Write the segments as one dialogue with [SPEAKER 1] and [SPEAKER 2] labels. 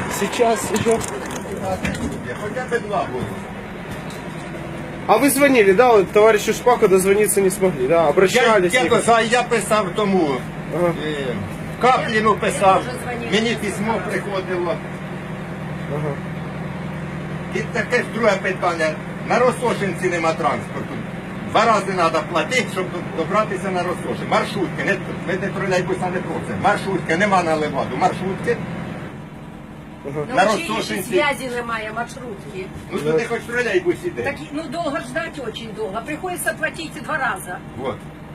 [SPEAKER 1] Сейчас еще.
[SPEAKER 2] Хотя бы два будут.
[SPEAKER 1] А вы звонили, да? Вот товарищу Шпаку дозвониться не смогли, да? Обращались?
[SPEAKER 2] Я писав тому,
[SPEAKER 1] Ага.
[SPEAKER 2] Капліну писав, мені письмо приходило.
[SPEAKER 1] Ага.
[SPEAKER 2] І таке ж друге питання. На Росошинці нема транспорту. 2 рази треба платити, щоб добратися на Росошин. Маршрутки, ми не тролейбуса не просимо. Маршрутки, нема на Леваду. Маршрутки. На Росошинці.
[SPEAKER 3] Зв'язі немає, маршрутки.
[SPEAKER 2] Ну що ти хоч тролейбус іде?
[SPEAKER 3] Так, ну долго ждать очень долго. Приходится платить 2 раза.
[SPEAKER 2] Вот.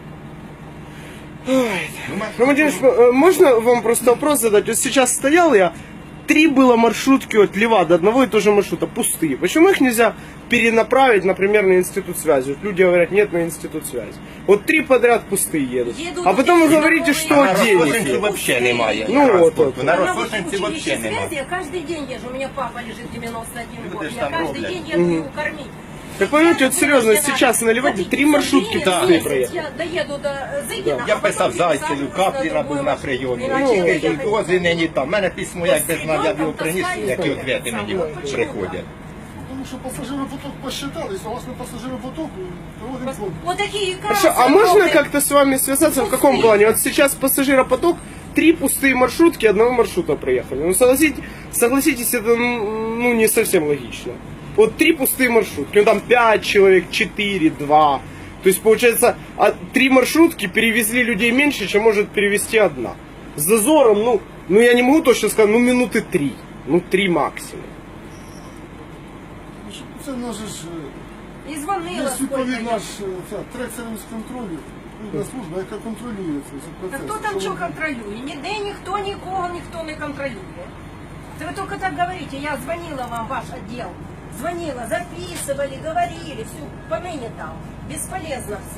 [SPEAKER 1] Ну, Владимир, можно вам просто вопрос задать? Вот сейчас стоял я, 3 было маршрутки от Левада, одного и того же маршрута, пустые. Почему их нельзя перенаправить, например, на институт связи? Вот люди говорят, нет, на институт связи. Вот 3 подряд пустые едут.
[SPEAKER 3] Едут
[SPEAKER 1] А потом вы
[SPEAKER 3] эти
[SPEAKER 1] говорите, что
[SPEAKER 2] На
[SPEAKER 1] денег
[SPEAKER 2] Росошинці
[SPEAKER 1] нет.
[SPEAKER 2] взагалі немає
[SPEAKER 1] Ну,
[SPEAKER 2] транспорту.
[SPEAKER 1] от.
[SPEAKER 2] На
[SPEAKER 3] На
[SPEAKER 2] Росошинці
[SPEAKER 3] училище
[SPEAKER 2] взагалі немає.
[SPEAKER 3] связи я каждый день езжу. У меня папа лежит 91 год.
[SPEAKER 2] Люди ж
[SPEAKER 3] Я
[SPEAKER 2] там
[SPEAKER 3] каждый
[SPEAKER 2] роблять.
[SPEAKER 3] день еду его кормить.
[SPEAKER 1] Так понимаете, вот серьезно, сейчас на Леваде 3 маршрутки пустые проехали.
[SPEAKER 3] Я доеду до Зыгина.
[SPEAKER 2] Я писав Зайцеву, Капліна був на прийомі. І дози нині там. У мене письмо, як би знав, я б його приніс, які відповіді мені приходять.
[SPEAKER 4] Потому что пассажиропоток посчитал, и согласно пассажиропотоку проводим конкурс.
[SPEAKER 3] Вот такие
[SPEAKER 1] Хорошо, а можно как-то с вами связаться в каком плане? Вот сейчас пассажиропоток, 3 пустые маршрутки, одного маршрута проехали. Ну согласитесь, это ну, не совсем логично. Вот 3 пустые маршрутки, ну там 5 человек, 4, 2. То есть получается, 3 маршрутки перевезли людей меньше, чем может перевезти одна. С зазором, ну я не могу точно сказать, ну минуты 3. Ну 3 максимум.
[SPEAKER 4] Це в нас же ж
[SPEAKER 3] И звонила
[SPEAKER 4] є
[SPEAKER 3] сколько
[SPEAKER 4] відповідна
[SPEAKER 3] я.
[SPEAKER 4] ж трекером з контролю, відповідна служба, яка контролює цей
[SPEAKER 3] Та
[SPEAKER 4] процес.
[SPEAKER 3] хто там що контролює? Ніде ніхто нікого ніхто не контролює. Це ви тільки так говорите, я звонила вам, ваш отдел. Звонила, записывали, говорили, все, поныне там. Бесполезно все.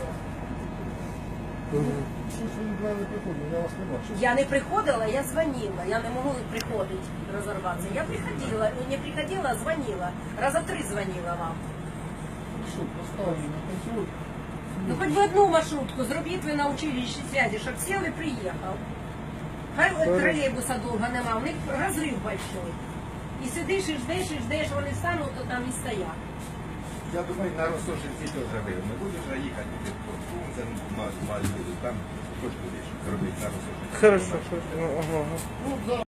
[SPEAKER 4] Щось ви від мене приходили, я вас не бачу.
[SPEAKER 3] Я не приходила, я звонила. Я не могу приходить, разорваться. Я приходила, не приходила, а звонила. Раза 3 звонила вам.
[SPEAKER 4] Що, поставили на контроль?
[SPEAKER 3] Ну хоть бы одну маршрутку зробіть ви на училищі связи, щоб сел і приїхав. Хай тролейбуса довго нема, у них розрив большой. І сидиш, і ждеш, вони стануть, то там і стоять.
[SPEAKER 2] Я думаю, на Росошинці теж видно. Будеш їхати під Кунцем, там теж будеш робити на Росошинці.
[SPEAKER 1] Хорошо, хорошо. Ага.
[SPEAKER 4] Ну, зараз